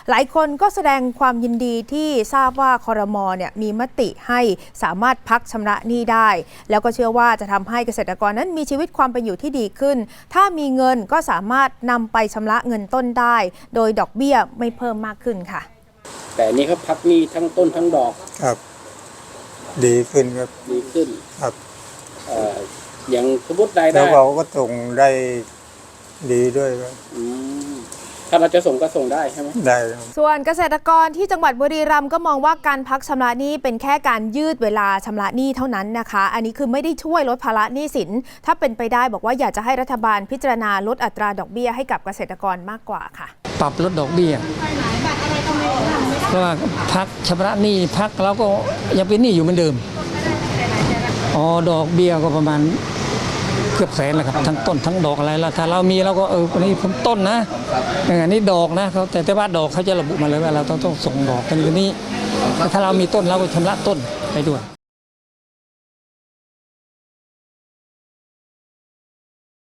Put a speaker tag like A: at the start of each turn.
A: หลายคนก็แสดงความยินดีที่ทราบว่าครม.เนี่ยมีมติให้สามารถพักชำระหนี้ได้แล้วก็เชื่อว่าจะทำให้เกษตรกรนั้นมีชีวิตความเป็นอยู่ที่ดีขึ้นถ้ามีเงินก็สามารถนำไปชำระเงินต้นได้โดยดอกเบี้ยไม่เพิ่มมากขึ้นค่ะ
B: แต่อันนี้เขาพักหนี้ทั้งต้นทั้งดอก
C: ครับดีขึ้นครับ
B: ดีขึ้น
C: ครับ
B: อย่างสมมติรายได้
C: แล้วเราก็ส่งได้ดีด้วยครับ
B: ถ้าเราจะส่งก็ส่งได้ใช่ไหม
C: ได้
A: ส่วนเกษตรกรที่จังหวัดบุรีรัมย์ก็มองว่าการพักชำระหนี้เป็นแค่การยืดเวลาชำระหนี้เท่านั้นนะคะอันนี้คือไม่ได้ช่วยลดภาระหนี้สินถ้าเป็นไปได้บอกว่าอยากจะให้รัฐบาลพิจารณาลดอัตราดอกเบี้ยให้กับเกษตรกรมากกว่าค่ะ
D: ปรับลดดอกเบี้ยเพราะว่าพักชำระหนี้พักแล้วก็ยังเป็นหนี้อยู่เหมือนเดิมดอกเบี้ยก็ประมาณเกือบแสนแหละครับทั้งต้นทั้งดอกอะไรแล้วถ้าเรามีเราก็อันนี้ผมต้นนะอันนี้ดอกนะเขาแต่ว่าดอกเขาจะระบุมาเลยว่าเราต้องส่งดอกกันนี้ถ้าเรามีต้นเราก็ชำระต้นไปด้วย